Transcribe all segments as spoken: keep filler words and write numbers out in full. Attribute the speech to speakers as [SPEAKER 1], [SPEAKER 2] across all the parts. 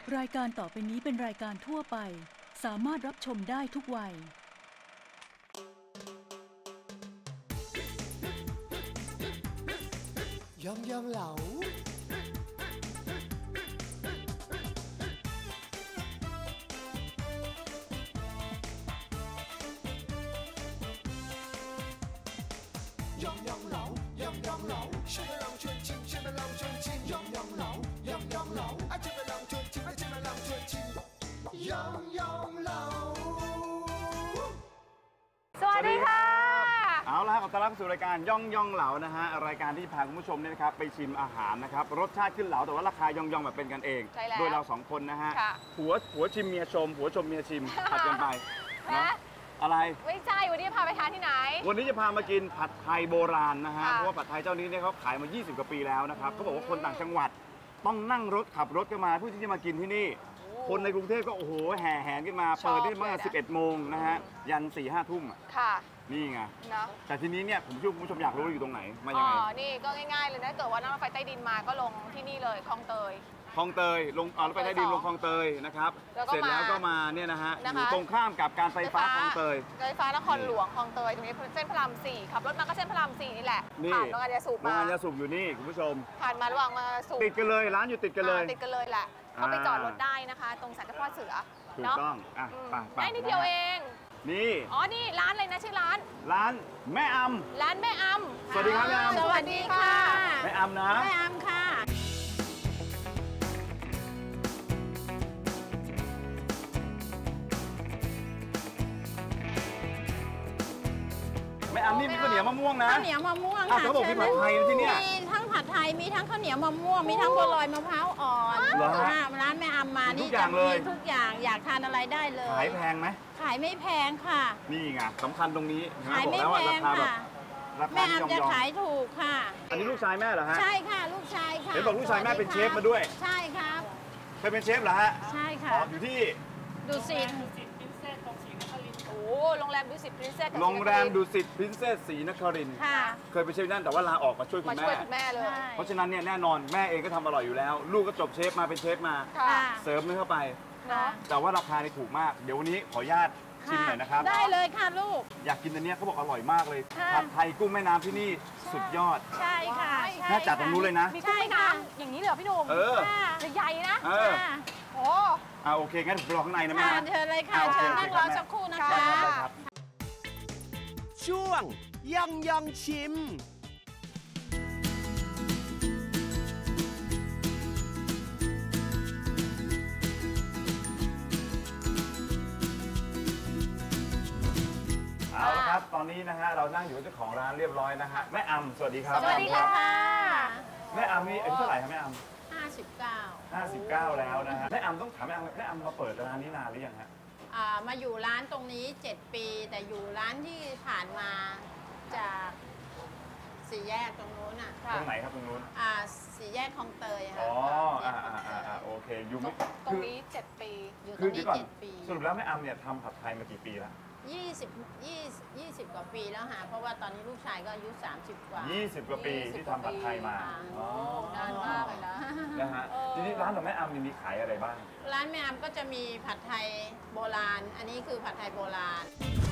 [SPEAKER 1] รายการต่อไปนี้เป็นรายการทั่วไปสามารถรับชมได้ทุกวัย
[SPEAKER 2] ยองยองเหลายองยองเหลายองยองเหลาช่วยมาลองชวนชิมช่วยมาลองชวนชิมยองยองเหลายองยองเหลาอ่ะช่วยมาลองชวนชิมอ่ะช่วยมาลองชวนชิมยองยองเหลา
[SPEAKER 3] สวัสดีค่ะ
[SPEAKER 4] เอาละขอต้อนรับสู่รายการย่องย่องเหลานะฮะรายการที่พาคุณผู้ชมเนี่ยนะครับไปชิมอาหารนะครับรสชาติขึ้นเหลาแต่ว่าราคาย่องย่องแบบเป็นกันเองโดยเราสองคนนะฮะผัวผัวชิมเมียชมผัวชมเมียชิมผัดกันไปนะอะไร
[SPEAKER 3] ไม่ใช่วันนี้พาไปทานที่ไหน
[SPEAKER 4] วันนี้จะพามากินผัดไทยโบราณนะฮะเพราะว่าผัดไทยเจ้านี้เนี่ยเขาขายมายี่สิบกว่าปีแล้วนะครับเขาบอกว่าคนต่างจังหวัดต้องนั่งรถขับรถกันมาเพื่อที่จะมากินที่นี่คนในกรุงเทพก็โอ้โหแห่แหนกันมาเปิดได้เมื่อสิบเอ็ดโมงนะฮะยันสี่ห้าทุ่ม
[SPEAKER 3] ค่ะ
[SPEAKER 4] นี่ไงแต่ทีนี้เนี่ยผมเชื่อคุณผู้ชมอยากรู้ว่าอยู่ตรงไหนมายังไง
[SPEAKER 3] อ๋อนี่ก็ง่ายๆเลยถ้าเกิดว่านั่งรถไฟใต้ดินมาก็ลงที่นี่เลยคลองเตย
[SPEAKER 4] คลองเตยลงเอารถไฟใต้ดินลงคลองเตยนะครับเสร็จแล้วก็มาเนี่ยนะฮะอยู่ตรงข้ามกับการไฟฟ้าคลองเตย
[SPEAKER 3] ไฟฟ้านครหลวงคลองเตยตรงนี้เส้นพระรามสี่ขับรถมาก็เส้นพระรามสี่นี่แหละผ่านโรงงานยาสูบมา
[SPEAKER 4] โรงงานยาสูบอยู่นี่คุณผู้ชม
[SPEAKER 3] ผ่านมาระหว่างมาสูบ
[SPEAKER 4] ติดกันเลยร้านอยู่ติดกันเลย
[SPEAKER 3] ติดกันเลยแหละก็ไปจอดรถได้นะคะตรงสันติพ่อเสือ
[SPEAKER 4] ถูกต้องอ่ะไป
[SPEAKER 3] ได้นิดเดียวเอง
[SPEAKER 4] นี่
[SPEAKER 3] อ๋อนี่ร้านอะไรนะชื่อร้าน
[SPEAKER 4] ร้านแม่อำ
[SPEAKER 3] ร้านแม่อำ
[SPEAKER 4] สวัสดีครับแม่อำ
[SPEAKER 3] สวัสดีค่ะ
[SPEAKER 4] แม่อำนะ
[SPEAKER 3] แม่อำค่ะ
[SPEAKER 4] แม่อำนี่มีข้าวเหนียวมะม่วงนะ
[SPEAKER 5] ข้าวเหนียวมะม่วงค่ะ
[SPEAKER 4] เขาบอกมีผัดไทยที่นี่
[SPEAKER 5] มีทั้งผัดไทยมีทั้งข้าวเหนียวมะม่วงมีทั้งบัวลอยมะพร้าวอ่อนร้านแม่อำมานี่จะมีทุกอย่างอยากทานอะไรได้เลย
[SPEAKER 4] ขายแพงไหม
[SPEAKER 5] ขายไม่แพงค่ะ
[SPEAKER 4] นี่ไงสำคัญตรงนี้
[SPEAKER 5] ขายไม่แพงค่ะแม่อำจะขายถูกค่ะ
[SPEAKER 4] อันนี้ลูกชายแม่เหรอฮะ
[SPEAKER 5] ใช่ค่ะลูกชายค่ะ
[SPEAKER 4] เห็นบอกลูกชายแม่เป็นเชฟมาด้วย
[SPEAKER 5] ใช่ครับ
[SPEAKER 4] เคยเป็นเชฟเหรอฮะ
[SPEAKER 5] ใช่ค่ะ
[SPEAKER 4] อยู่ที่
[SPEAKER 5] ดุสิต
[SPEAKER 3] โอ้โรงแรมดุสิตพรินเซส
[SPEAKER 4] โรงแรมดุสิตพรินเซสศรีนครินทร์เคยไปเชฟนั่นแต่ว่าลาออกมาช่วยคุณแม่
[SPEAKER 3] มาช่วยคุณแม่เลย
[SPEAKER 4] เพราะฉะนั้นเนี่ยแน่นอนแม่เองก็ทำอร่อยอยู่แล้วลูกก็จบเชฟมาเป็นเชฟมาเสริมเนื้อเข้าไปแต่ว่าราคานี่ถูกมากเดี๋ยววันนี้ขออนุญาตชิมหน่อยนะครับ
[SPEAKER 5] ได้เลยค่ะลูก
[SPEAKER 4] อยากกินอันนี้เขาบอกอร่อยมากเลยผัดไทยกุ้งแม่น้ำที่นี่สุดยอด
[SPEAKER 5] ใช่ค่ะ
[SPEAKER 4] แม่จัดตรงนู้นเลยนะ
[SPEAKER 3] มีกุ้งแม่น้ำอย่างนี้เลยเหรอพี่หนุ่ม
[SPEAKER 4] เออ
[SPEAKER 3] ใหญ่นะโอ้
[SPEAKER 4] อ่าโอเคงั้นผมรอข้างในนะแม่
[SPEAKER 5] เชิญเลยค่ะเชิญนั่งรอสักครู่นะคะ
[SPEAKER 2] ช่วงยองยองชิม
[SPEAKER 4] เอาละครับตอนนี้นะฮะเรานั่งอยู่กับเจ้าของร้านเรียบร้อยนะฮะแม่อำสวัสดีครับ
[SPEAKER 3] สวัสดีค่ะ
[SPEAKER 4] แม่อำนี่อายุเท่าไหร่ครับแม่อำ
[SPEAKER 5] ห้าสิบเก้า
[SPEAKER 4] ห้าสิบเก้าแล้วนะฮะแม่อำต้องถามแม่อำแม่อำมาเปิดร้านนี้นานหรือยังฮะ
[SPEAKER 5] มาอยู่ร้านตรงนี้เจ็ดปีแต่อยู่ร้านที่ผ่านมาจากสี่แยกตรงนู้นอ่ะ
[SPEAKER 4] ตรงไหนครับตรงนู้น
[SPEAKER 5] อ่าสี่แยกคลองเตยค่ะ
[SPEAKER 4] อ๋ออ่าอ่าอ่าโอเคอยู่
[SPEAKER 3] ตรงนี้เจ็ดปี
[SPEAKER 5] อยู่ตรงนี้เจ็ดปี
[SPEAKER 4] สรุปแล้วแม่อำเนี่ยทำผัดไทยมากี่ปีแล้ว
[SPEAKER 5] ยี่สิบยี่ยี่สิบกว่าปีแล้วค่ะเพราะว่าตอนนี้ลูกชายก็อายุสามสิบกว่า
[SPEAKER 4] ยี่สิบกว่าปีที่ทำผัดไทยมา
[SPEAKER 3] อ๋อนานมากเลยนะ
[SPEAKER 4] นะฮะทีนี้ร้านของแม่อำมีขายอะไรบ้าง
[SPEAKER 5] ร้านแม่อำก็จะมีผัดไทยโบราณอันนี้คือผัดไทยโบราณ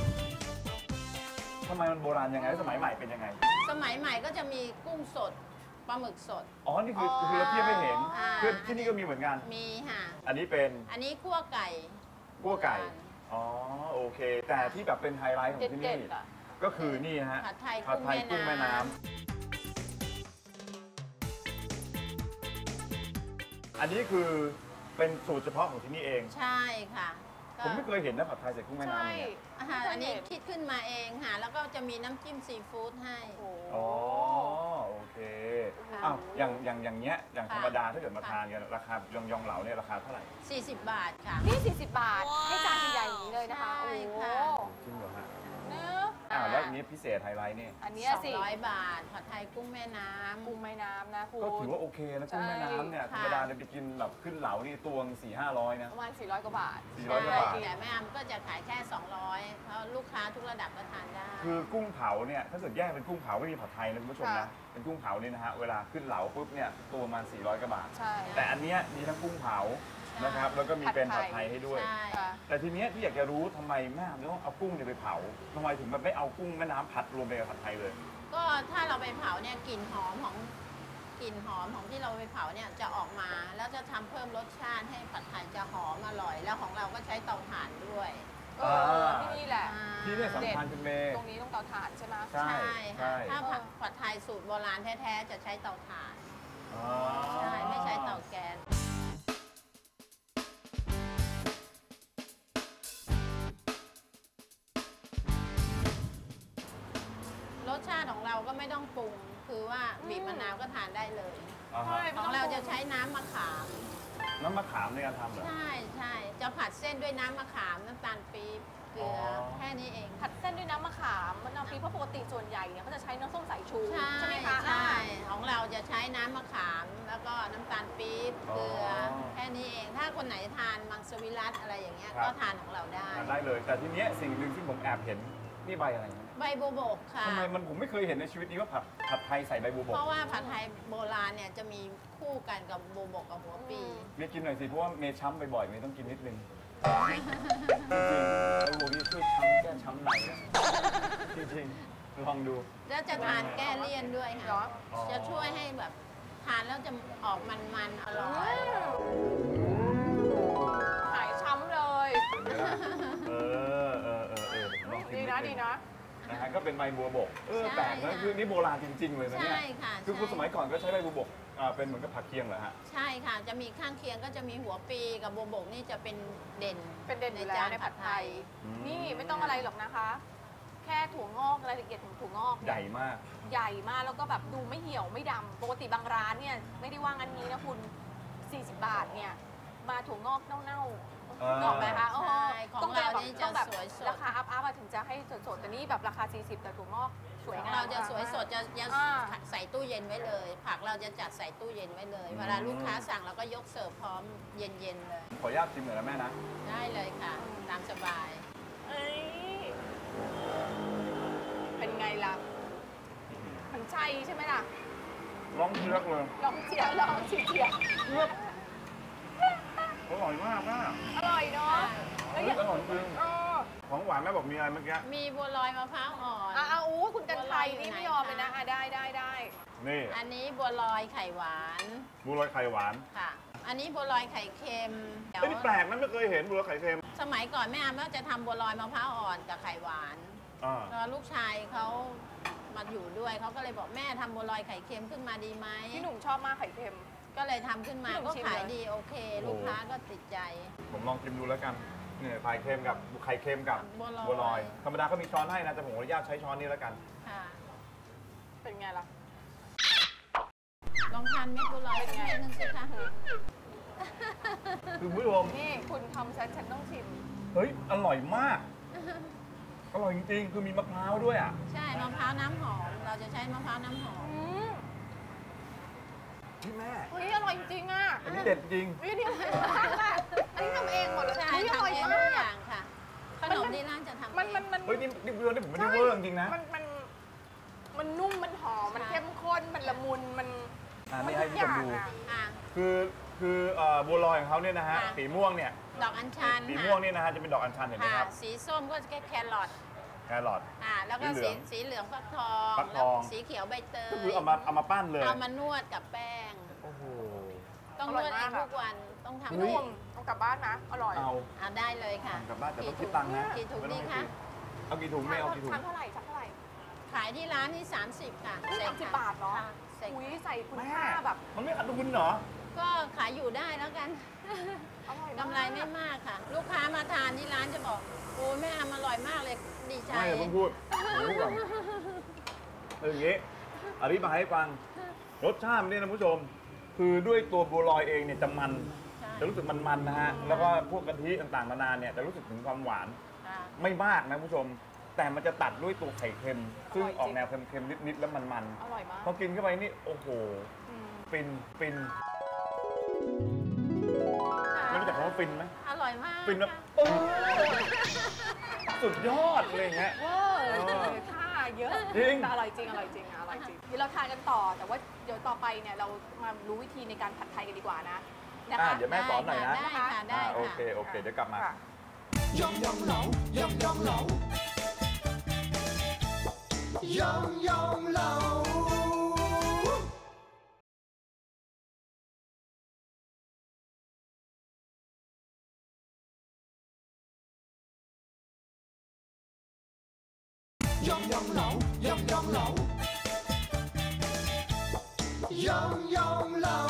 [SPEAKER 4] ทำไมมันโบราณยังไงสมัยใหม่เป็นยังไง
[SPEAKER 5] สมัยใหม่ก็จะมีกุ้งสดปลาหมึกสด
[SPEAKER 4] อ๋อนี่คือคือเราเทียบไม่เห็นคือที่นี่ก็มีเหมือนกัน
[SPEAKER 5] มีค่ะ
[SPEAKER 4] อันนี้เป็น
[SPEAKER 5] อันนี้คั่วไก่
[SPEAKER 4] คั่วไก่อ๋อโอเคแต่ที่แบบเป็นไฮไลท์ของที่นี่ก็คือนี่ฮะ
[SPEAKER 5] ผัดไทย
[SPEAKER 4] กุ้งแม่น้ำอันนี้คือเป็นสูตรเฉพาะของที่นี่เอง
[SPEAKER 5] ใช่ค่ะ
[SPEAKER 4] ผมไม่เคยเห็นนะผัดไทยใส่กุ้งแม่น้ำเนี่ย
[SPEAKER 5] อันนี้คิดขึ้นมาเองค่ะแล้วก็จะมีน้ำจิ้มซีฟู้ดให้
[SPEAKER 4] อ๋อโอเคอ้าวอย่างอย่างอย่างเงี้ยอย่างธรรมดาถ้าเกิดมาทานกันราคายองยองเหลาเนี่ยราคาเท่าไหร่
[SPEAKER 5] สี่สิบบาทค่ะ
[SPEAKER 3] นี่สี่สิบบาทให้จานใหญ่ๆอย่างนี้เลยนะคะโอ้โห
[SPEAKER 4] จริงเหรอฮะอ่าแล้วอันนี้พิเศษไฮไลท์นี่
[SPEAKER 3] อันนี้
[SPEAKER 5] สองร้อยบาทผัดไทยกุ้งแม่น้ำ
[SPEAKER 3] กุ้งแม่น้ำนะคุณ
[SPEAKER 4] ก็ถือว่าโอเคนะกุ้งแม่น้ำเนี่ยธรรมดาเนี่ยไปกินแบบขึ้นเหลานี่ตวงสี่ห้าร้อยนะ
[SPEAKER 3] ประมาณสี่ร้อยกว่าบาท
[SPEAKER 4] สี่ร้อยกว่าบาท
[SPEAKER 5] แต่แม่อำก็จะขายแค่สองร้อยเพราะลูกค้าทุกระดับก็ทานได้
[SPEAKER 4] คือกุ้งเผาเนี่ยถ้าเกิดแยกเป็นกุ้งเผาไม่มีผัดไทยนะคุณผู้ชมนะเป็นกุ้งเผานี่นะฮะเวลาขึ้นเหลาปุ๊บเนี่ยตัวประมาณสี่ร้อยกว่าบาทแต่อันนี้มีทั้งกุ้งเผานะครับแล้วก็มีเป็นผัดไทยให้ด้วย
[SPEAKER 5] ใช่
[SPEAKER 3] ค่ะ
[SPEAKER 4] แต่ทีเนี้ยที่อยากจะรู้ทำไมแม่ต้องเอากุ้งเนี่ยไปเผาทำไมถึงแบบไม่เอากุ้งแม่น้ำผัดรวมไปกับผัดไทยเลย
[SPEAKER 5] ก็ถ้าเราไปเผาเนี่ยกลิ่นหอมของกลิ่นหอมของที่เราไปเผาเนี่ยจะออกมา แล้วจะทำเพิ่มรสชาติให้ผัดไทยจะหอมอร่อย แล้วของเราก็ใช้เตาถ่านด้วย
[SPEAKER 3] เออที่นี่แหละ
[SPEAKER 5] อ่า
[SPEAKER 4] ที่เนี่ยสำคัญคุณเมย์
[SPEAKER 3] ตรงนี้ต้องเตาถ่านใช่ไหม
[SPEAKER 4] ใช่
[SPEAKER 5] ใช่
[SPEAKER 4] ใช่
[SPEAKER 5] ค่ะถ้าผัดผัดไทยสูตรโบราณแท้ๆจะใช้เตาถ่าน
[SPEAKER 4] อ๋อ
[SPEAKER 5] ใช่ไม่ใช้เตาแก๊สรสชาติของเราก็ไม่ต้องปรุง คือว่าบีบมะนาวก็ทานได้เลย
[SPEAKER 4] อ่าฮะ
[SPEAKER 5] ของเราจะใช้น้ำมะขาม
[SPEAKER 4] น้ำมะขามในการทำเหรอ
[SPEAKER 5] ใช่ใช่จะผัดเส้นด้วยน้ำมะขามน้ำตาลปี๊บเกลืออ
[SPEAKER 4] อ
[SPEAKER 5] แค่นี้เอง
[SPEAKER 3] ผัดเส้นด้วยน้ำมะขามมะนาวพริกเพราะปกติส่วนใหญ่เนี่ยเขาจะใช้น้ำส้มสายชู
[SPEAKER 5] ใช่
[SPEAKER 3] ไหมคะ
[SPEAKER 5] ใช่ของเราจะใช้น้ำมะขาม แล้วก็น้ำตาลปี๊บเกลืออแค่นี้เอง ถ้าคนไหนทานมังสวิรัตอะไรอย่างเงี้ยก็ทานของเราได้
[SPEAKER 4] ทานได้เลย แต่ทีเนี้ยสิ่งหนึ่งที่ผมแอบเห็นนี่ใบอะไรนะ
[SPEAKER 5] ใบโบวบกค่ะ
[SPEAKER 4] ทำไมมันผมไม่เคยเห็นในชีวิตนี้ว่าผัดผัดไทยใส่ใบบัวบ
[SPEAKER 5] เพ
[SPEAKER 4] ก
[SPEAKER 5] ราะว่าผัดไทยโบราณเนี่ยจะมีคู่กันกับโบวบกกับหัวปี
[SPEAKER 4] เมย์กินหน่อยสิเพราะว่าเมย์ช้ำบ่อยๆเมย์ต้องกินนิดนึงจริงๆใบบัวนี่ช่วยช้ำแก้ช้ำในนะจริงๆลองดู
[SPEAKER 5] แล้วจะทานแก้เลี่ยนด้วย
[SPEAKER 3] เหรอ
[SPEAKER 5] ค่ะ จะช่วยให้แบบทานแล้วจะออกมันๆอร่อย
[SPEAKER 3] หายช้ำเลย
[SPEAKER 4] เออเออเออเออลองชิม
[SPEAKER 3] ดี
[SPEAKER 4] นิ
[SPEAKER 3] นะ
[SPEAKER 4] นึง
[SPEAKER 3] ดีนะ
[SPEAKER 4] นะฮะก็เป็นใบบัวบกเออ
[SPEAKER 5] ใช่
[SPEAKER 4] แปลกนะ
[SPEAKER 5] ค่ะ
[SPEAKER 4] คือนี่โบราณจริง ๆ เลยนะเนี่ย
[SPEAKER 5] ใช่ค่ะ
[SPEAKER 4] คือ
[SPEAKER 5] ใช่
[SPEAKER 4] คุณสมัยก่อนก็ใช้ใบบัวบกอ่าเป็นเหมือนกับผักเคียงเหรอฮะ
[SPEAKER 5] ใช่ค่ะ จะมีข้างเคียงก็จะมีหัวปีกับโบวบกนี่จะเป็นเด่น
[SPEAKER 3] เป็นเด่นอยู่แล้วในผัดไทย
[SPEAKER 4] อืม
[SPEAKER 3] นี่ไม่ต้องอะไรหรอกนะคะ แค่ถั่วงอกรายละเอียดของถั่วงอกเนี่ย
[SPEAKER 4] ใหญ่มาก
[SPEAKER 3] ใหญ่มากแล้วก็แบบดูไม่เหี่ยวไม่ดำปกติบางร้านเนี่ยไม่ได้ว่างันนี้นะคุณ สี่สิบบาทเนี่ยมาถั่วงอกเน่า
[SPEAKER 4] เออ
[SPEAKER 3] ๆนอกไหมคะโอ้โห
[SPEAKER 5] ใช่ของ
[SPEAKER 3] ต้องแบบ
[SPEAKER 5] เรานี่จะ
[SPEAKER 3] ต้องแบบ
[SPEAKER 5] สวยสด
[SPEAKER 3] ราคาอัพอัพถึงจะให้สดๆแต่นี่แบบราคา สี่สิบแต่ถั่วงอกสวย
[SPEAKER 5] ของ
[SPEAKER 3] งาม
[SPEAKER 5] เราจะสวยสดจะจะ
[SPEAKER 3] อ่า
[SPEAKER 5] ใส่ตู้เย็นไว้เลย ผักเราจะจัดใส่ตู้เย็นไว้เลย เวลาลูกค้าสั่งเราก็ยกเสิร์ฟพร้อมเย็นๆเลย
[SPEAKER 4] ขออนุญาตชิมหน่อยนะแม่นะ
[SPEAKER 5] ได้เลยค่ะ ตามสบาย
[SPEAKER 3] เอ้ยเป็นไงล่ะมันใช่ใช่ไหมล่ะ
[SPEAKER 4] ร้องเชือกเลย
[SPEAKER 3] ลองเชียร์ลองเชียร์
[SPEAKER 4] เชือกอร่อยมากมาก
[SPEAKER 3] อร่อยเนาะแล้วอ
[SPEAKER 4] เฮ้ย
[SPEAKER 3] ย่าง
[SPEAKER 4] อร่อยจริง
[SPEAKER 3] เออ
[SPEAKER 4] ของหวานแม่บอกมีอะไรเมื่อกี้
[SPEAKER 5] มีบัวลอยมะพร้าวอ่อน
[SPEAKER 3] อ่ะเอาอู้คุณกันไทยนี่ไม่ยอมเลยนะอ่ะได้ได้ได้
[SPEAKER 4] นี่
[SPEAKER 5] อันนี้บัวลอยไข่หวาน
[SPEAKER 4] บัวลอยไข่หวาน
[SPEAKER 5] ค่ะ อันนี้บัวลอยไข่เค็มเดี๋ยว
[SPEAKER 4] เฮ้ยนี่แปลกนะไม่เคยเห็นบัวลอยไข่เค็ม
[SPEAKER 5] สมัยก่อนแม่อามก็จะทำบัวลอยมะพร้าวอ่อนกับไข่หวาน
[SPEAKER 4] อ่า
[SPEAKER 5] แล้วลูกชายเขามาอยู่ด้วยเขาก็เลยบอกแม่ทำบัวลอยไข่เค็มขึ้นมาดีไหม
[SPEAKER 3] พี่หนุ่มชอบมากไข่เค็ม
[SPEAKER 5] ก็เลยทำขึ้นมา
[SPEAKER 3] พี่หนุ่
[SPEAKER 5] ก็
[SPEAKER 3] มชิม
[SPEAKER 5] ขาย
[SPEAKER 3] เลย
[SPEAKER 5] ดีโอเค ลูกค้าก็ติดใจ
[SPEAKER 4] ผมลองชิมดูแล้วกันเนี่ยไข่เค็มกับไข่เค็มกับ
[SPEAKER 5] บัวลอย
[SPEAKER 4] บัวลอยธรรมดาเขามีช้อนให้นะแต่ผมขออนุญาตใช้ช้อนนี้แล้วกัน
[SPEAKER 5] ค่ะ
[SPEAKER 3] เป็นไงล่ะ
[SPEAKER 5] ลองทานเม็ดบัวลอยสักเม็ดนึงสิคะ
[SPEAKER 4] คือคุณผู้ชม
[SPEAKER 3] นี่คุณทำฉันฉันต้องชิม
[SPEAKER 4] เฮ้ยอร่อยมาก อร่อยจริงๆคือมีมะพร้าวด้วยอ่ะ
[SPEAKER 5] ใช่มะพร้าวน้ำหอม เราจะใช้มะพร้าวน้ำหอม
[SPEAKER 3] อืม
[SPEAKER 4] พี่แม่
[SPEAKER 3] เฮ้ยอร่อยจริงๆอ่ะ
[SPEAKER 4] อันนี้เด็ดจริง
[SPEAKER 3] เฮ้ยนี่อร่อยมากอ่ะอันนี้ทำเองหมดเลย
[SPEAKER 5] ใช่
[SPEAKER 3] เฮ้ยอ
[SPEAKER 5] ทำ
[SPEAKER 3] ร่อย
[SPEAKER 5] เอง
[SPEAKER 3] มา
[SPEAKER 5] ทุก
[SPEAKER 3] ก
[SPEAKER 5] อย่างค่ะ ขนมที่ร้านจะทำ
[SPEAKER 3] มัน
[SPEAKER 5] เอ
[SPEAKER 3] มัน
[SPEAKER 5] ง
[SPEAKER 3] มัน
[SPEAKER 4] เฮ้ยนี่นี่เรื่องนี่ผมไม่ได้เวอร์จริงๆนะ
[SPEAKER 3] มันมันมันนุ่มมันหอมมัน
[SPEAKER 5] ใช่
[SPEAKER 3] เข้มข้นมันละมุนมัน
[SPEAKER 4] อ่านี่ให้ผู้ชมดู
[SPEAKER 3] ทุกอย่างอะ
[SPEAKER 5] อ่ะ
[SPEAKER 4] คือคือเอ่อบัวลอยของเขาเนี่ยนะฮะ
[SPEAKER 5] ค่ะ
[SPEAKER 4] สีม่วงเนี่ย
[SPEAKER 5] ดอกอัญชัน
[SPEAKER 4] สี
[SPEAKER 5] ค่ะ
[SPEAKER 4] ม่วงเนี่ยนะฮะจะเป็นดอกอัญชันเห็นไหม
[SPEAKER 5] ค่ะ
[SPEAKER 4] ครับ
[SPEAKER 5] สีส้มก็จะแครอท
[SPEAKER 4] แครอท
[SPEAKER 5] อ่าแล้วก็
[SPEAKER 4] สีเหลื
[SPEAKER 5] สี
[SPEAKER 4] อง
[SPEAKER 5] สีเหลืองฟักทอง
[SPEAKER 4] ฟักท
[SPEAKER 5] แล้ว
[SPEAKER 4] อง
[SPEAKER 5] สีเขียวใบเตย
[SPEAKER 4] ก็คือเอามาเอามาปั้นเลย
[SPEAKER 5] เอามานวดกับแป้ง
[SPEAKER 4] โอ้โห
[SPEAKER 5] ต้อง
[SPEAKER 3] อน ร่อ
[SPEAKER 5] วย ดเอ
[SPEAKER 3] มาง กอะ
[SPEAKER 5] ทุกวันต้องทำ
[SPEAKER 4] เฮ้
[SPEAKER 3] นุ่
[SPEAKER 4] ย
[SPEAKER 3] มเอากลับบ้านนะอร่อย
[SPEAKER 4] เอา
[SPEAKER 5] เอาได้เลยค่ะ
[SPEAKER 4] กลับบ้านแต่ต้อง
[SPEAKER 5] กี่
[SPEAKER 4] คิดตังค์นะ
[SPEAKER 5] กี่ถุง
[SPEAKER 4] ไม่ต้
[SPEAKER 5] ดี
[SPEAKER 4] อง
[SPEAKER 5] คะ
[SPEAKER 4] เอากี่ถุงไม่เอากี่ถุง
[SPEAKER 3] ชามเท่าไหร่ชามเท่าไหร่
[SPEAKER 5] ขายที่ร้านที่สามสิบค่ะ
[SPEAKER 3] อุ๊ย
[SPEAKER 5] ใส่
[SPEAKER 3] สามสิบ
[SPEAKER 5] ค่ะ
[SPEAKER 3] บาทเหรอ
[SPEAKER 5] ค่ะใส่
[SPEAKER 3] อุ้ยใส่คุณ
[SPEAKER 4] แม่
[SPEAKER 3] ค่าแบบ
[SPEAKER 4] มันไม่ขาดทุนเหรอ
[SPEAKER 5] ก็ขายอยู่ได้แล้วกัน
[SPEAKER 3] อร่อยมาก
[SPEAKER 5] กำไรไม่มากค่ะ ลูกค้ามาทานที่ร้านจะบอกโอ้ยแม่ทำอร่อยมากเลยดีใจ
[SPEAKER 4] ไม่เพิ่งพูดผมพูดก่อนคืออย่างนี้อธิบายให้ฟังรสชาติมันเนี่ยนะผู้ชม คือด้วยตัวบัวลอยเองเนี่ยจะมัน
[SPEAKER 5] ใช่
[SPEAKER 4] จะรู้สึกมันๆนะฮะแล้วก็พวกกะทิต่างๆนานาเนี่ยจะรู้สึกถึงความหวาน
[SPEAKER 5] ค่ะ
[SPEAKER 4] ไม่มากนะผู้ชม แต่มันจะตัดด้วยตัวไข่เค็ม ซึ่งออกแนวเค็มๆนิดๆแล้วมัน
[SPEAKER 3] อร่อยมาก
[SPEAKER 4] ๆพอกินเข้าไปนี่โอ้โห
[SPEAKER 3] อืม
[SPEAKER 4] ฟินฟินไม่รู้จักคำว่าฟินไหม
[SPEAKER 5] อร่อยมาก
[SPEAKER 4] ฟินแบบ
[SPEAKER 5] ค่ะ
[SPEAKER 4] โอ้สุดยอดเลยอย่างเงี้ย
[SPEAKER 3] เวอร์ค่าเยอะ
[SPEAKER 4] จริง
[SPEAKER 3] แต่อร่อยจริงอร่อยจริงอะอร่อยจริงเดี๋ยวเราทานกันต่อ แต่ว่าเดี๋ยวต่อไปเนี่ยเรามารู้วิธีในการผัดไทยกันดีกว่านะนะ
[SPEAKER 4] อ่า
[SPEAKER 3] คะ
[SPEAKER 4] เดี๋ยวแม่สอนหน่อยนะ
[SPEAKER 5] ได้ค่ะได้
[SPEAKER 4] อ่า
[SPEAKER 5] ค่ะ
[SPEAKER 4] โอเคโอเคเดี๋ยวกลับมา
[SPEAKER 3] ค่ะ
[SPEAKER 2] ยองยองเหลายองยองเหลายองยองเหลายองยองเหลายองยองเหลายองยองเหลา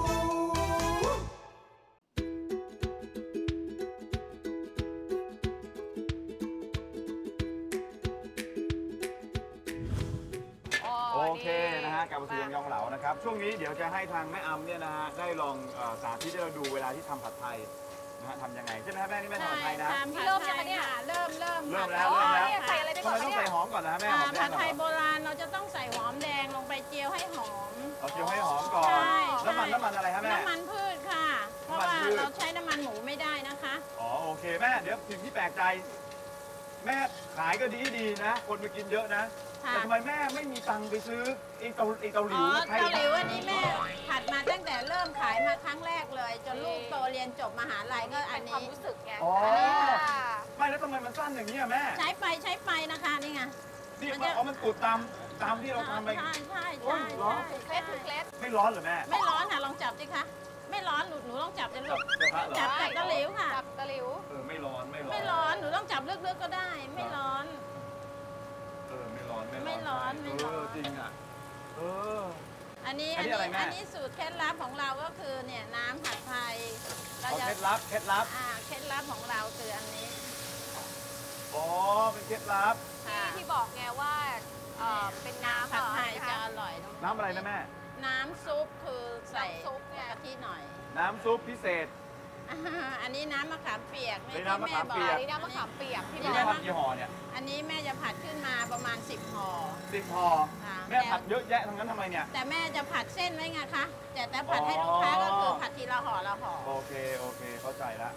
[SPEAKER 4] โอเคนะฮะกลับมาสู่ยองยองเหลานะครับช่วงนี้เดี๋ยวจะให้ทางแม่อำเนี่ยนะฮะได้ลองเอ่อสาธิตให้เราดูเวลาที่ทำผัดไทยนะฮะทำยังไงใช่ไหมครับแม่นี่แม่ทำผัดไทยนะ
[SPEAKER 5] ใช่ทำผัด
[SPEAKER 3] เริ่ม
[SPEAKER 5] ไท
[SPEAKER 3] ยัง
[SPEAKER 5] ย
[SPEAKER 3] ไงเนี่ย
[SPEAKER 5] ค่ะเริ่มเริ่ม
[SPEAKER 4] เริ่ม
[SPEAKER 5] ผัด
[SPEAKER 4] แล้วเริ่มแล้ว
[SPEAKER 3] เนี่ยใส่อะไรไป
[SPEAKER 4] ทำ
[SPEAKER 3] ก่อน
[SPEAKER 4] ไมต้อง
[SPEAKER 3] เนี่ย
[SPEAKER 4] ใส่หอมก่อนนะฮะแม่ห
[SPEAKER 5] อ่า
[SPEAKER 4] อมแด
[SPEAKER 5] ผั
[SPEAKER 4] ง
[SPEAKER 5] ด
[SPEAKER 4] ก่อน
[SPEAKER 5] ไทย
[SPEAKER 4] เห
[SPEAKER 5] โบ
[SPEAKER 4] รอ
[SPEAKER 5] ราณเราจะต้องใส่หอมแดงลงไปเจียวให้หอม
[SPEAKER 4] เอาเจียวให้หอมก่อน
[SPEAKER 5] ใช่ใช่
[SPEAKER 4] น้ำมันน้ำมันอะไรครับแม่
[SPEAKER 5] น้ำมันพืชค่ะ เพราะ
[SPEAKER 4] น้ำมัน
[SPEAKER 5] ว่า
[SPEAKER 4] พืช
[SPEAKER 5] เราใช้น้ำมันหมูไม่ได้นะคะ
[SPEAKER 4] อ๋อโอเคแม่เดี๋ยวสิ่งที่แปลกใจ แม่ขายก็ดีดีนะ คนมากินเยอะนะ
[SPEAKER 5] ค่ะ
[SPEAKER 4] แต่ทำไมแม่ไม่มีตังค์ไปซื้อไอ้เตาไอ้เตาหลิ
[SPEAKER 5] อ๋
[SPEAKER 4] ว
[SPEAKER 5] อ
[SPEAKER 4] มาใช้
[SPEAKER 5] เกาหลีวันนี้แม่ผัดมาตั้งแต่เริ่มขายมาครั้งแรกเลย จนลูกโตเรียนจบมหาลัยก็อั
[SPEAKER 3] เป็น นความ
[SPEAKER 5] นี้
[SPEAKER 3] รู้สึกไง
[SPEAKER 4] อ๋อ
[SPEAKER 3] ค่ะ
[SPEAKER 4] ไม่แล้วทำไมมันสั้นอย่างนี้อะแม่
[SPEAKER 5] ใช้ไปใช้ไปนะคะนี่ไง
[SPEAKER 4] นี่
[SPEAKER 5] มัน
[SPEAKER 4] มัน
[SPEAKER 5] จะ
[SPEAKER 4] เอามันกุดตามตามที่เราทำไป
[SPEAKER 5] ใช่ใช่
[SPEAKER 4] โอ้
[SPEAKER 5] ใช่
[SPEAKER 4] ยเหรอ
[SPEAKER 5] ใช่
[SPEAKER 3] เคล็ดคือเคล็ด
[SPEAKER 4] ไม่ร้อนเหรอแม่
[SPEAKER 5] ไม่ร้อนค่ะลองจับสิคะไม่ร้อนหนูหนูลองจับจะลูก
[SPEAKER 4] จับกระทะเหรอ
[SPEAKER 5] จับจับตะหลิวค่ะ
[SPEAKER 3] จับตะหลิว
[SPEAKER 4] เออไม่ร้อนไม่ร้อน
[SPEAKER 5] ไม่ร้อนหนูต้องจับลึกๆก็ได้ ไม่ร้อน
[SPEAKER 4] เออไม่ร้อน
[SPEAKER 5] ไม่ร้อนไม่ร้อน
[SPEAKER 4] เออจริงอ่ะเออ
[SPEAKER 5] อันนี้
[SPEAKER 4] อั
[SPEAKER 5] อั
[SPEAKER 4] น
[SPEAKER 5] น
[SPEAKER 4] นี้
[SPEAKER 5] นี้
[SPEAKER 4] อะไรแม่
[SPEAKER 5] อันนี้สูตรเคล็ดลับของเราก็คือเนี่ยน้ำผัดไทยเรา
[SPEAKER 4] เอา
[SPEAKER 5] จะ
[SPEAKER 4] เคล็ดลับเคล็ดลับ
[SPEAKER 5] อ่าเคล็ดลับของเราคืออันนี้
[SPEAKER 4] อ๋อเป็นเคล็ดลับ
[SPEAKER 5] ค่ะ
[SPEAKER 3] ที่ที่บอกไงว่าเอ่อเป็นน้ำ
[SPEAKER 5] ผัดไทย
[SPEAKER 3] เหรอ
[SPEAKER 5] จะ
[SPEAKER 3] คะ
[SPEAKER 5] อร่อยตรง
[SPEAKER 4] น้ำอะไรนะแม่
[SPEAKER 5] น้ำซุปคือใส่
[SPEAKER 3] น้ำซุปเนี่ย
[SPEAKER 5] กะทิหน่อย
[SPEAKER 4] น้ำซุปพิเศษ
[SPEAKER 5] อ่าอันนี้น้ำมะขามเปียก
[SPEAKER 4] เป็นน้ำมะขามเปีย
[SPEAKER 3] อันนี้น้ำมะขามเปียกที่บ
[SPEAKER 4] นี่
[SPEAKER 3] อก
[SPEAKER 4] แม่ผัดกี่ห่อเนี่ย
[SPEAKER 5] อันนี้แม่จะผัดขึ้นมาประมาณสิบห่อ
[SPEAKER 4] สิบห่อ
[SPEAKER 5] ค่ะ
[SPEAKER 4] แม่ผัดเยอะแยะทั้งนั้นทำไมเนี่ย
[SPEAKER 5] แต่แม่จะผัดเส้นไว้ไงคะแต่แต่ผัดให้
[SPEAKER 4] อ๋อ
[SPEAKER 5] ลูกค้าก็คือผัดทีละห่อละห่อ
[SPEAKER 4] โอเคโอเคเข้าใจละ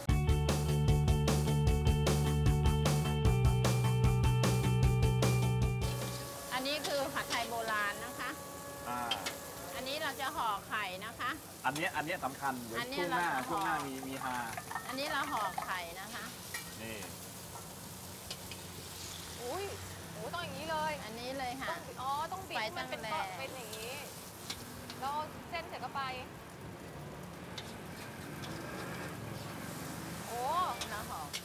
[SPEAKER 5] อันนี้คือผัดไทยโบราณนะคะ
[SPEAKER 4] อ่า
[SPEAKER 5] อันนี้เราจะห่อไข่นะคะ
[SPEAKER 4] อันเนี้ยอันเนี้ยสำคัญเดี๋ยว
[SPEAKER 5] อันเนี้ย
[SPEAKER 4] ช่วงหน้า
[SPEAKER 5] เรา
[SPEAKER 4] ช่วงหน้า
[SPEAKER 5] ห่อ
[SPEAKER 4] มีมีฮา
[SPEAKER 5] อันนี้เราห่อไข่นะคะ
[SPEAKER 4] นี่
[SPEAKER 3] อุ้ยโอ้ต้องอย่างนี้เลย
[SPEAKER 5] อันนี้เลยค่ะ
[SPEAKER 3] อ๋อ ต้องบิด
[SPEAKER 5] ไฟ
[SPEAKER 3] ให้มันเป็น
[SPEAKER 5] ตั้งแรง
[SPEAKER 3] เป็นอย่างนี้ แล้วเอาเส้นเสร็จก็ไป โอ้
[SPEAKER 5] เราห่อไข่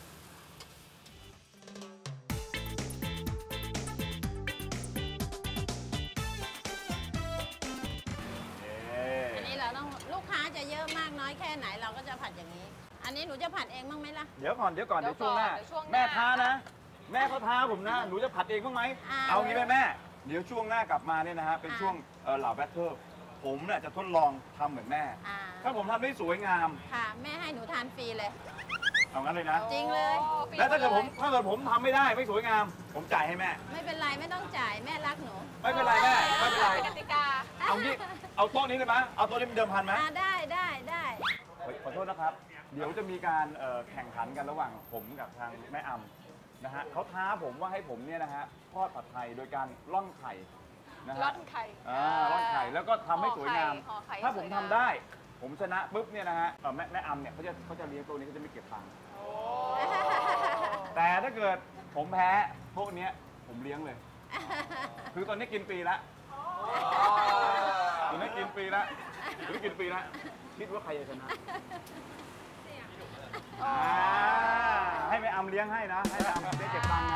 [SPEAKER 4] เอ๊ะ
[SPEAKER 5] อันนี้เราต้องลูกค้าจะเยอะมากน้อยแค่ไหนเราก็จะผัดอย่างนี้ อันนี้หนูจะผัดเองบ้างไหมล่ะ
[SPEAKER 4] เดี๋ยวก่อนเดี๋ยวก่อน
[SPEAKER 3] เดี๋
[SPEAKER 4] เดี๋
[SPEAKER 3] ย
[SPEAKER 4] ยว วช่วงหน้า
[SPEAKER 3] ก่อนเดี๋ยวช่วงหน้า
[SPEAKER 4] แม่ท้านะ แม่เขาท้าผมนะ หนูจะผัดเองบ้างไหม
[SPEAKER 5] อ่า
[SPEAKER 4] เอางี้ไหมแม่ เดี๋ยวช่วงหน้ากลับมาเนี่ยนะฮะเป็น
[SPEAKER 5] อ่า
[SPEAKER 4] ช่วงเอ่อเหล่าแบทเทิลผมเนี่ยจะทดลองทำเหมือนแม่
[SPEAKER 5] อ่า
[SPEAKER 4] ถ้าผมทำได้สวยงาม
[SPEAKER 5] ค่ะ แม่ให้หนูทานฟรีเลย
[SPEAKER 4] เอางั้นเลยนะ
[SPEAKER 5] จริงเลย
[SPEAKER 3] โอ้ปี
[SPEAKER 4] แล้วถ้าเกิดผม
[SPEAKER 3] ลย
[SPEAKER 4] ถ้าเกิดผมทำไม่ได้ไม่สวยงาม ผมจ่ายให้แม่
[SPEAKER 5] ไม่เป็นไรไม่ต้องจ่ายแม่รักหนู
[SPEAKER 4] ไม่เป็นไรแม่ไม่เป็นไร
[SPEAKER 3] กติกา
[SPEAKER 4] เอางี้เอาโต๊ะนี้เลยไหมเอาโต๊ะนี้เป็นเดิมพันไหม
[SPEAKER 5] อ่าได้ได้ได้
[SPEAKER 4] เฮ้ยขอโทษนะครับ เดี๋ยวจะมีการเอ่อแข่งขันกันระหว่างผมกับทางแม่อำนะฮะเขาท้าผมว่าให้ผมเนี่ยนะฮะทอดผัดไทยโดยการล่อนไข่นะฮะ
[SPEAKER 3] ร่อนไข่
[SPEAKER 4] อ่าร่อนไข่แล้วก็ทำให้สวยงาม
[SPEAKER 3] ห่อไข่
[SPEAKER 4] ถ้าผม
[SPEAKER 3] สวย
[SPEAKER 4] ทำ
[SPEAKER 3] งาม
[SPEAKER 4] ได้ ผมชนะปุ๊บเนี่ยนะฮะเอ่อแม่แม่อำเนี่ยเขาจะเขาจะเลี้ยงตัวนี้เขาจะไม่เก็บตังค์
[SPEAKER 3] โอ้
[SPEAKER 4] แต่ถ้าเกิดผมแพ้พวกเนี้ยผมเลี้ยงเลย คือตอนนี้กินฟรีละตอนนี้กินฟรีละตอนนี้กินฟรีละคิดว่าใครจะชนะอ่าให้แม่อำเลี้ยงให้นะ ให้แม่อำได้เก็บตังค์นะ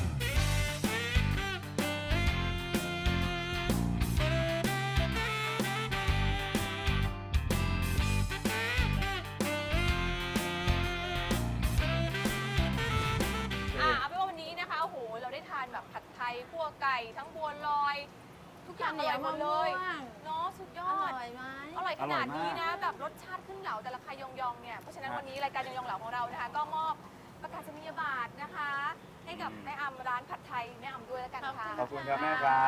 [SPEAKER 3] อ่ะเอาเป็นว่าวันนี้นะคะโอ้โหเราได้ทานแบบผัดไทยคั่วไก่ทั้งบัวลอย ทุกอย่างอร่อยหมดเลย
[SPEAKER 5] ข้าวเหนียวมะม่วง
[SPEAKER 3] เนาะสุดย
[SPEAKER 5] อ
[SPEAKER 3] อด
[SPEAKER 5] ร่อยไหม
[SPEAKER 3] อร่อยขนาดนี้
[SPEAKER 4] อร่อย
[SPEAKER 3] นะ
[SPEAKER 4] มาก
[SPEAKER 3] แบบรสชาติขึ้นเหลาแต่ละคายองยองเนี่ยเพราะฉะนั้น
[SPEAKER 4] ครับ
[SPEAKER 3] วันนี้รายการยองยองเหลาของเรานะคะ ก็มอบประกาศนียบัตรนะคะ ให้กับแม่อำร้านผัดไทยแม่อำด้วยแล้วกันค่ะ
[SPEAKER 4] ขอบคุณครับแม่ครับ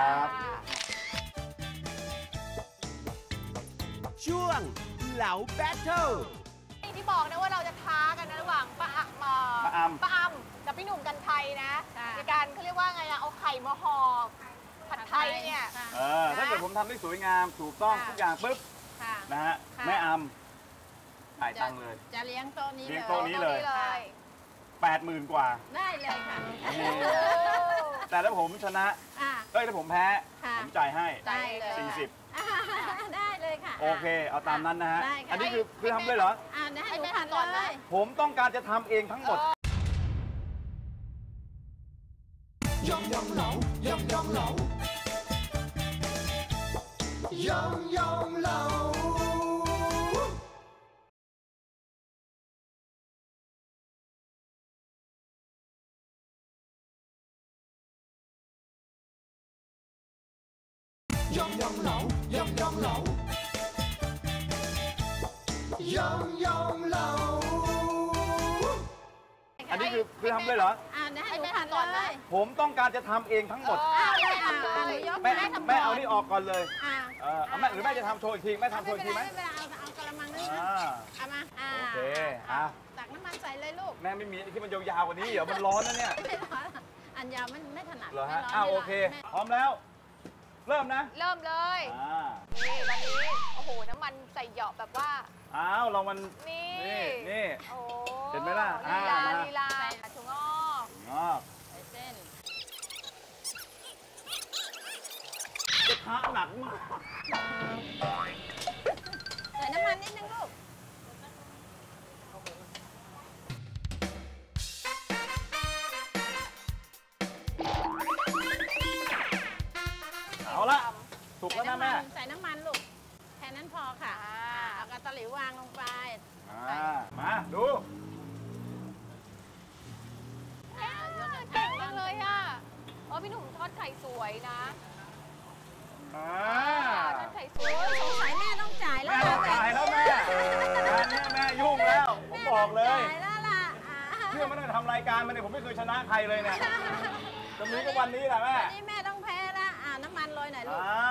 [SPEAKER 6] ช่วงเหลาแบทเทิล
[SPEAKER 3] อย่างที่บอกนะว่าเราจะท้ากันนะระหว่างป้าอะมา
[SPEAKER 4] ป้าอำ
[SPEAKER 3] ป้าอำกับพี่หนุ่มกันไทยนะ
[SPEAKER 5] ค่ะ
[SPEAKER 3] ในการเขาเรียกว่าไงอะเอาไข่มาห่อผัดไทยเนี่ย
[SPEAKER 5] ค่ะ
[SPEAKER 4] เออถ้าเกิดผมทำได้สวยงามถูกต้อง
[SPEAKER 5] ค่ะ
[SPEAKER 4] ทุกอย่างปุ๊บ
[SPEAKER 5] ค่ะ
[SPEAKER 4] นะฮะ
[SPEAKER 5] ค่ะ
[SPEAKER 4] แม่อำจ่ายตังค์เลย
[SPEAKER 5] จะเลี้ยงโต๊ะนี้
[SPEAKER 4] เลี้
[SPEAKER 5] เลย
[SPEAKER 4] งโต๊ะนี้เลย
[SPEAKER 3] เลย
[SPEAKER 4] แปดหมื่นกว่า
[SPEAKER 5] ได้เลยค่ะ
[SPEAKER 4] นี่แต่ถ้าผมชนะ
[SPEAKER 5] อ่ะ
[SPEAKER 4] เอ้ยถ้าผมแพ้
[SPEAKER 5] ค่ะ
[SPEAKER 4] ผมจ่ายให้
[SPEAKER 5] ได้เลย
[SPEAKER 4] สี่สิบ
[SPEAKER 5] อ่ะได้เลยค่ะ
[SPEAKER 4] โอเค เอาตามนั้นนะฮะ
[SPEAKER 5] ได้ค่ะ
[SPEAKER 4] อันนี้คือคือทำเลยเหรอ
[SPEAKER 5] อ่าให้
[SPEAKER 3] ให้
[SPEAKER 5] หนู
[SPEAKER 3] แม่
[SPEAKER 5] ผัด
[SPEAKER 3] ทำก่อน
[SPEAKER 5] เล
[SPEAKER 3] นะ
[SPEAKER 5] ย
[SPEAKER 4] ผมต้องการจะทำเองทั้งหมด
[SPEAKER 2] ยองยองเหลา ยองยองเหลา ยองยองเหลา ยองยองเหลา ยองยองเหลา ยองยองเหลา
[SPEAKER 4] อันนี้คือคือทำเลยเหรอ
[SPEAKER 5] อ่าให้
[SPEAKER 3] ให้
[SPEAKER 5] หนู
[SPEAKER 3] แม่
[SPEAKER 5] ผัด
[SPEAKER 3] ทำก่อน
[SPEAKER 5] เล
[SPEAKER 3] นะ
[SPEAKER 5] ย
[SPEAKER 4] ผมต้องการจะทำเองทั้งหมด
[SPEAKER 5] อ่าได้อ่าอ่าหนูยก
[SPEAKER 4] แม่
[SPEAKER 5] ให้ทำ
[SPEAKER 4] แม่
[SPEAKER 5] ก่
[SPEAKER 4] เอานี่ออกก่อนเลย
[SPEAKER 5] อ่า
[SPEAKER 4] เออเอาแม่หรือแม่จะทำโชว์อีกทีแม่ทำโช
[SPEAKER 5] ไม่
[SPEAKER 4] ว์อี
[SPEAKER 5] เป็
[SPEAKER 4] ก
[SPEAKER 5] น
[SPEAKER 4] ที
[SPEAKER 5] ไร
[SPEAKER 4] ไหม
[SPEAKER 5] ไม่เป็นไรเอาเอากระมังนึง
[SPEAKER 4] อ่า
[SPEAKER 5] เอามาอ่า
[SPEAKER 4] โอเคอ่ะ
[SPEAKER 5] ตักน้ำมันใส่เลยลูก
[SPEAKER 4] แม่ไม่มีที่มันยาวๆกว่านี้เดี๋ยวมันร้อนนะเนี่ย
[SPEAKER 5] ไม่ร้อนอันยาวมันไม่ถนัด
[SPEAKER 4] เหรอ
[SPEAKER 5] ไม่
[SPEAKER 4] ฮะ
[SPEAKER 5] ร้อน
[SPEAKER 4] อ้าว
[SPEAKER 5] ไม่
[SPEAKER 4] โอ
[SPEAKER 5] ร้น
[SPEAKER 4] เค
[SPEAKER 5] ไม่
[SPEAKER 4] พร้อมแล้ว เริ่มนะ
[SPEAKER 3] เริ่มเลย
[SPEAKER 4] อ่า
[SPEAKER 3] นี่วันนี้โอ้โหน้ำมันใส่เหยาะแบบว่า
[SPEAKER 4] อ้าวเรามัน
[SPEAKER 3] นี่
[SPEAKER 4] นี่นี่
[SPEAKER 3] โอ้
[SPEAKER 4] เห็นไหมล่ะ
[SPEAKER 3] ลีลา
[SPEAKER 4] อ่ามา
[SPEAKER 3] ลีลาถุงงอก
[SPEAKER 4] งอก
[SPEAKER 5] ใส่เส้น
[SPEAKER 4] กระทะหนักมาก
[SPEAKER 5] ใส่น้ำมันนิดนึงลูก
[SPEAKER 4] เอาละสุกแล้วนะแม่
[SPEAKER 5] ใส่น้ำมันลูก แค่นั้นพอค่ะ
[SPEAKER 3] อ่า
[SPEAKER 5] เอากระตะหลิววางลงไป
[SPEAKER 4] อ่ามาดู
[SPEAKER 5] อ่ายกกระ
[SPEAKER 3] เก่ง
[SPEAKER 5] ทะ
[SPEAKER 3] จังเลยอ่ะเออพี่หนุ่มทอดไข่สวยนะ
[SPEAKER 4] อ่า
[SPEAKER 3] ทอดไข่สวย
[SPEAKER 5] สงสัยแม่ต้องจ่ายแล้
[SPEAKER 4] แม่
[SPEAKER 5] ว
[SPEAKER 4] ต้องจ่ายแล้วแม่งานนี้แม่ยุ่งแล้วผมบอกเลย
[SPEAKER 5] จ่ายแล้วล่ะอ่า
[SPEAKER 4] เชื่อไม่ได้ทำรายการมาเนี่ยผมไม่เคยชนะใครเลยเนี่ยจะมีก็วันนี้แหละแม่
[SPEAKER 5] วันนี้แม่ต้องแพ้ละอ่าน้ำมันโรยหน่อยลูก
[SPEAKER 4] อ่า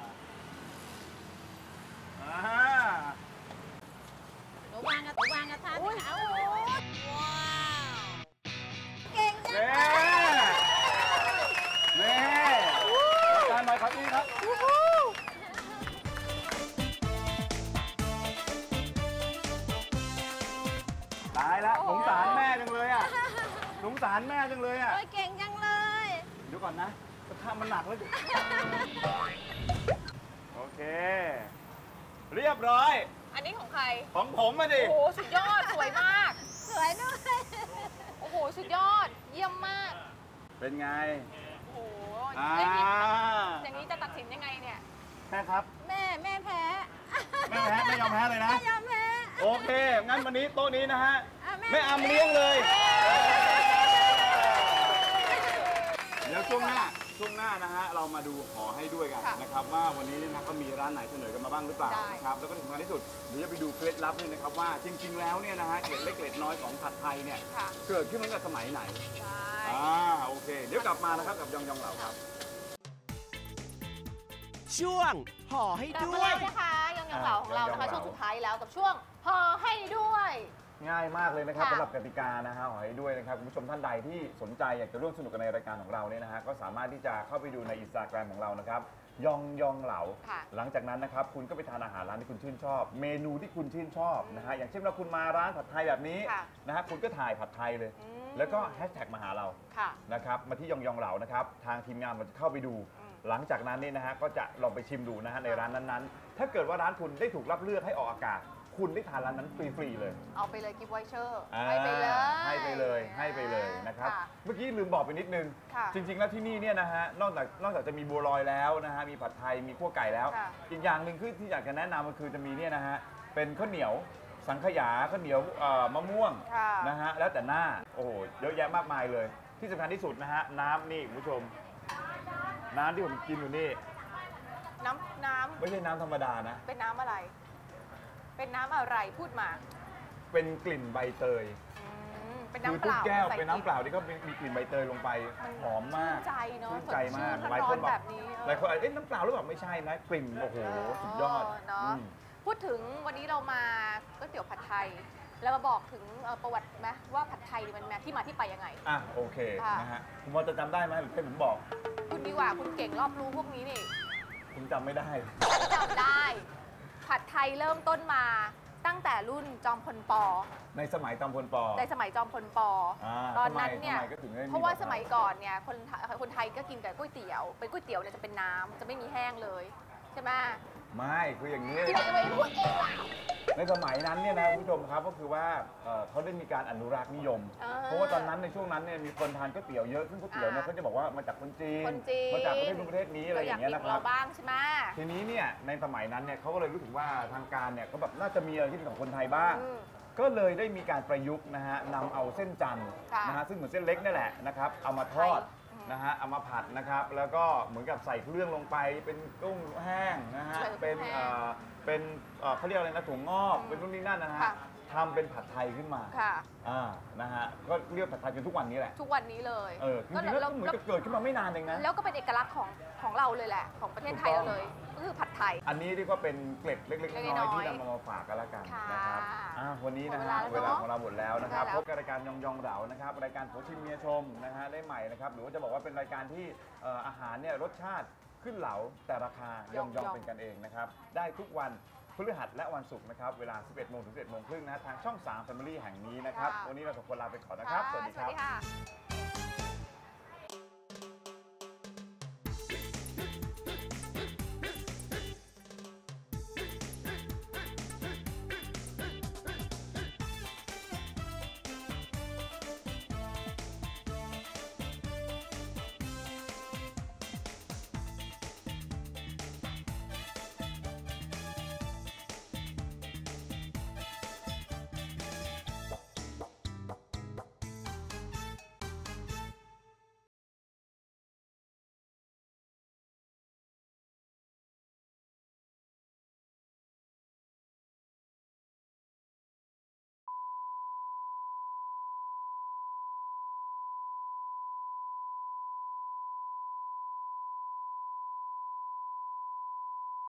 [SPEAKER 4] อ่า
[SPEAKER 5] หนูวางกระวางกระทะสิคะโอ้โหว้าวเก่งจัง
[SPEAKER 4] เน่เน่อาจารย์หน่อยครับนี่ครับตายแล้วสงสารแม่จังเลยอ่ะสงสารแม่จังเลยอ่ะ
[SPEAKER 5] โอ้ยเก่งจังเลย
[SPEAKER 4] เดี๋ยวก่อนนะกระทะมันหนักแล้วดิโอเค เรียบร้อย
[SPEAKER 3] อันนี้ของใคร
[SPEAKER 4] ของผมมาดิ
[SPEAKER 3] โอ้โหสุดยอดสวยมาก
[SPEAKER 5] สวยด้วย
[SPEAKER 3] โอ้โหสุดยอด เยี่ยมมาก
[SPEAKER 4] เป็นไง
[SPEAKER 3] โอ้โห
[SPEAKER 4] อ่า
[SPEAKER 3] อย่างนี้อย่างนี้จะตัดสินยังไงเนี่ย
[SPEAKER 4] แม่ครับ
[SPEAKER 5] แม่แม่แพ้
[SPEAKER 4] แม่แพ้ไม่ยอมแพ้เลยนะ
[SPEAKER 5] ไม่ยอมแพ้
[SPEAKER 4] โอเค งั้นวันนี้โต๊ะนี้นะฮะ
[SPEAKER 5] อ่ะแม่
[SPEAKER 4] แม่อำเลี้ยงเลย เดี๋ยวช่วงหน้า ช่วงหน้านะฮะ เรามาดูขอให้ด้วยกัน
[SPEAKER 3] ค่ะ
[SPEAKER 4] นะครับว่าวันนี้เนี่ยนะก็มีร้านไหนเสนอกันมาบ้างหรือเปล่า
[SPEAKER 3] ได้
[SPEAKER 4] นะครับ แล้วก็ที่สำคัญที่สุดเดี๋ยวจะไปดูเคล็ดลับด้วยนะครับว่าจริง ๆ แล้วเนี่ยนะฮะเกล็ดเล็กเกล็ดน้อยของผัดไทยเนี่ย
[SPEAKER 3] ค่ะ
[SPEAKER 4] เกิดขึ้นมาตั้งแต่สมัยไหน
[SPEAKER 3] ใช่
[SPEAKER 4] อ่า โอเค เดี๋ยวกลับมานะครับกับยองยองเหล่าครับ
[SPEAKER 6] ช่วงห่อให้
[SPEAKER 3] กลับ
[SPEAKER 6] ด้
[SPEAKER 3] มา
[SPEAKER 6] วย
[SPEAKER 3] แล้วนะคะยังยังเหล่าของเรานะคะ
[SPEAKER 4] ยังยังเห
[SPEAKER 3] ช่ว
[SPEAKER 4] ล่า
[SPEAKER 3] งสุดท้ายแล้วกับช่วงห่อให้ด้วย
[SPEAKER 4] ง่ายมากเลยนะครับ
[SPEAKER 3] ค่ะ
[SPEAKER 4] สำหรับกติกานะฮะขอให้ด้วยนะครับคุณผู้ชมท่านใดที่สนใจอยากจะร่วมสนุกกันในรายการของเราเนี่ยนะฮะก็สามารถที่จะเข้าไปดูในอินสตาแกรมของเรานะครับยองยองเหลา
[SPEAKER 3] ค่ะ
[SPEAKER 4] หลังจากนั้นนะครับคุณก็ไปทานอาหารร้านที่คุณชื่นชอบ เมนูที่คุณชื่นชอบนะฮะอย่างเช่นว่าคุณมาร้านผัดไทยแบบนี้
[SPEAKER 3] ค่ะ
[SPEAKER 4] นะฮะคุณก็ถ่ายผัดไทยเลย
[SPEAKER 3] อืม
[SPEAKER 4] แล้วก็แฮชแท็กมาหาเรา
[SPEAKER 3] ค่ะ
[SPEAKER 4] นะครับมาที่ยองยองเหลานะครับทางทีมงานเราจะเข้าไปดู
[SPEAKER 3] อืม
[SPEAKER 4] หลังจากนั้นเนี่ยนะฮะก็จะลองไปชิมดูนะฮะในร้านนั้นๆ ถ้าเกิดว่าร้านคุณได้ถูกรับเลือกให้ออกอากาศ คุณได้ทานร้านนั้นฟรีๆเลย
[SPEAKER 3] เอาไปเลยกิฟต์ไวเชอร์
[SPEAKER 4] อ่า
[SPEAKER 3] ให้ไปเลย
[SPEAKER 4] ให้ไปเลยให้ไปเลยนะครับ
[SPEAKER 3] ค่ะ
[SPEAKER 4] เมื่อกี้ลืมบอกไปนิดนึง
[SPEAKER 3] ค่ะ
[SPEAKER 4] จริง ๆ แล้วที่นี่เนี่ยนะฮะนอกจากนอกจากจะมีบัวลอยแล้วนะฮะมีผัดไทยมีคั่วไก่แล้ว
[SPEAKER 3] ค่ะ
[SPEAKER 4] อีกอย่างหนึ่งคือที่อยากจะแนะนำก็คือจะมีเนี่ยนะฮะเป็นข้าวเหนียวสังขยาข้าวเหนียวเอ่อมะม่วง
[SPEAKER 3] ค่ะ
[SPEAKER 4] นะฮะแล้วแต่หน้าโอ้โหเยอะแยะมากมายเลย ที่สำคัญที่สุดนะฮะน้ำนี่คุณผู้ชม น้ำที่ผมกินอยู่นี่
[SPEAKER 3] น้ำน้
[SPEAKER 4] ไม่ใช่น้ำธรรมดานะ
[SPEAKER 3] ำเป็นน้ำอะไร เป็นน้ำอะไรพูดมา
[SPEAKER 4] เป็นกลิ่นใบเตย
[SPEAKER 3] อืมเป็น
[SPEAKER 4] คือ
[SPEAKER 3] น้ำเป
[SPEAKER 4] ทุก
[SPEAKER 3] ล่า
[SPEAKER 4] แก้ว
[SPEAKER 3] ใส่
[SPEAKER 4] เป็นน้ำเปล่าที่ก็มีมีกลิ่นใบเตยลงไปหอมมาก
[SPEAKER 3] ชื่นใจเนอะ
[SPEAKER 4] ชื่นใจมาก
[SPEAKER 3] สดชื่น
[SPEAKER 4] หลายคน
[SPEAKER 3] ร้อนๆ
[SPEAKER 4] บอ
[SPEAKER 3] แบ
[SPEAKER 4] ก
[SPEAKER 3] บนี้
[SPEAKER 4] หลายคนอาจจะเอ๊ะน้ำเปล่าหรือเปล่าไม่ใช่นะกลิ่นโอ้โหสุดยอด
[SPEAKER 3] เนาะ
[SPEAKER 4] อืม
[SPEAKER 3] พูดถึงวันนี้เรามาก๋วยเตี๋ยวผัดไทย แล้วมาบอกถึงเอ่อประวัติไหมว่าผัดไทยมันมาที่มาที่ไปยังไง
[SPEAKER 4] อ่ะโอเค
[SPEAKER 3] ค่ะ
[SPEAKER 4] นะฮะคุณพอจะจำได้ไหมหรือให้ผมบอก
[SPEAKER 3] คุณดีกว่าคุณเก่งรอบรู้พวกนี้นี่
[SPEAKER 4] ผมจำไม่ได้
[SPEAKER 3] จำได้ ผัดไทยเริ่มต้นมาตั้งแต่รุ่นจอมพลป
[SPEAKER 4] ในสมัยจอมพลป
[SPEAKER 3] ในสมัยจอมพลป
[SPEAKER 4] อ่า
[SPEAKER 3] ตอนนั้นเนี่ย
[SPEAKER 4] ทำไมทำไมก็ถึงได้มี
[SPEAKER 3] เพราะว่า
[SPEAKER 4] แบบนั้น
[SPEAKER 3] สมัยก่อนเนี่ยคนไทยคนไทยก็กินแต่ก๋วยเตี๋ยวเป็นก๋วยเตี๋ยวเนี่ยจะเป็นน้ำจะไม่มีแห้งเลยใช่ไหม
[SPEAKER 4] ไม่คืออย่างนี้
[SPEAKER 3] ที่ไหนไม่พูดเองล่ะ
[SPEAKER 4] ในสมัยนั้นเนี่ยนะคุณผู้ชมครับก็คือว่าเอ่อเขาได้มีการอนุรักษ์นิยม
[SPEAKER 3] อ่า
[SPEAKER 4] เพราะว่าตอนนั้นในช่วงนั้นเนี่ยมีคนทานก๋วยเตี๋ยวเยอะซึ่งก๋วยเตี๋ยวเนี่ย
[SPEAKER 3] อ่า
[SPEAKER 4] เขาจะบอกว่ามาจากคนจีน
[SPEAKER 3] คนจีน
[SPEAKER 4] มาจากประเทศนู้นประเทศนี้อะไรอย่างเงี้ย
[SPEAKER 3] เรา
[SPEAKER 4] นะ
[SPEAKER 3] ก
[SPEAKER 4] ค
[SPEAKER 3] กิ
[SPEAKER 4] รับ
[SPEAKER 3] เราบ้างใช่ไหม
[SPEAKER 4] ทีนี้เนี่ยในสมัยนั้นเนี่ยเขาก็เลยรู้สึกว่าทางการเนี่ยก็แบบน่าจะมีอะไรที่เป็นของคนไทยบ้าง
[SPEAKER 3] อืม
[SPEAKER 4] ก็เลยได้มีการประยุกต์นะฮะนำเอาเส้นจันทร์
[SPEAKER 3] ค่ะ
[SPEAKER 4] นะฮะซึ่งเหมือนเส้นเล็กนี่แหละนะครับเอามาทอด
[SPEAKER 3] อืม
[SPEAKER 4] นะฮะเอามาผัดนะครับแล้วก็เหมือนกับใส่เครื่องลงไปเป็นกุ้งแห้งนะฮะ
[SPEAKER 3] ใส่
[SPEAKER 4] เป็น
[SPEAKER 3] กุ้งแห้ง
[SPEAKER 4] เอ่อเป็นเอ่อเขาเรียกอะไรนะถั่วงอก
[SPEAKER 3] อืม
[SPEAKER 4] เป็นนู่นนี่นั่นนะฮะ
[SPEAKER 3] ค่ะ
[SPEAKER 4] ทำเป็นผัดไทยขึ้นมา
[SPEAKER 3] ค่ะ
[SPEAKER 4] อ่านะฮะก็เรียกผัดไทยจนทุกวันนี้แหละ
[SPEAKER 3] ทุกวันนี้เลย
[SPEAKER 4] เออจริงๆแล้วก็เหมือนกับเกิดขึ้นมาไม่นานเองนะ
[SPEAKER 3] แล้วก็เป็นเอกลักษณ์ของของเราเลยแหละ ของประเทศไทยเราเลยก็คือผัดไทย
[SPEAKER 4] อันนี้เรียกว่าเป็นเกล็ดเล็กๆ
[SPEAKER 3] เล็กๆ
[SPEAKER 4] น้อยๆ
[SPEAKER 3] น้อยๆ
[SPEAKER 4] ที่นำมาฝากกันละกัน
[SPEAKER 3] ค่ะ
[SPEAKER 4] นะครับอ่ะวันนี้นะ
[SPEAKER 3] หมด
[SPEAKER 4] ฮะ
[SPEAKER 3] เว
[SPEAKER 4] เว
[SPEAKER 3] ลา
[SPEAKER 4] ลา
[SPEAKER 3] แล้ว
[SPEAKER 4] ของเราหมดแล้วนะครับ
[SPEAKER 3] ได้แล้ว
[SPEAKER 4] พบกับรายการยองยองเหลานะครับรายการโผชิมเมียชมนะฮะได้ใหม่นะครับหรือว่าจะบอกว่าเป็นรายการที่เอ่ออาหารเนี่ยรสชาติขึ้นเหลาแต่ราคายองยองเป็นกันเองนะครับได้ทุกวันพฤหัสและวันศุกร์นะครับเวลา สิบเอ็ดโมงถึง สิบเอ็ดโมงครึ่งนะทางช่อง สาม Family แห่งนี้นะครับวันนี้เราสองคนลาไปก่อนนะครับ สวัสดี
[SPEAKER 3] ส
[SPEAKER 4] ค
[SPEAKER 3] วัส
[SPEAKER 4] รับ
[SPEAKER 3] ดีค่ะ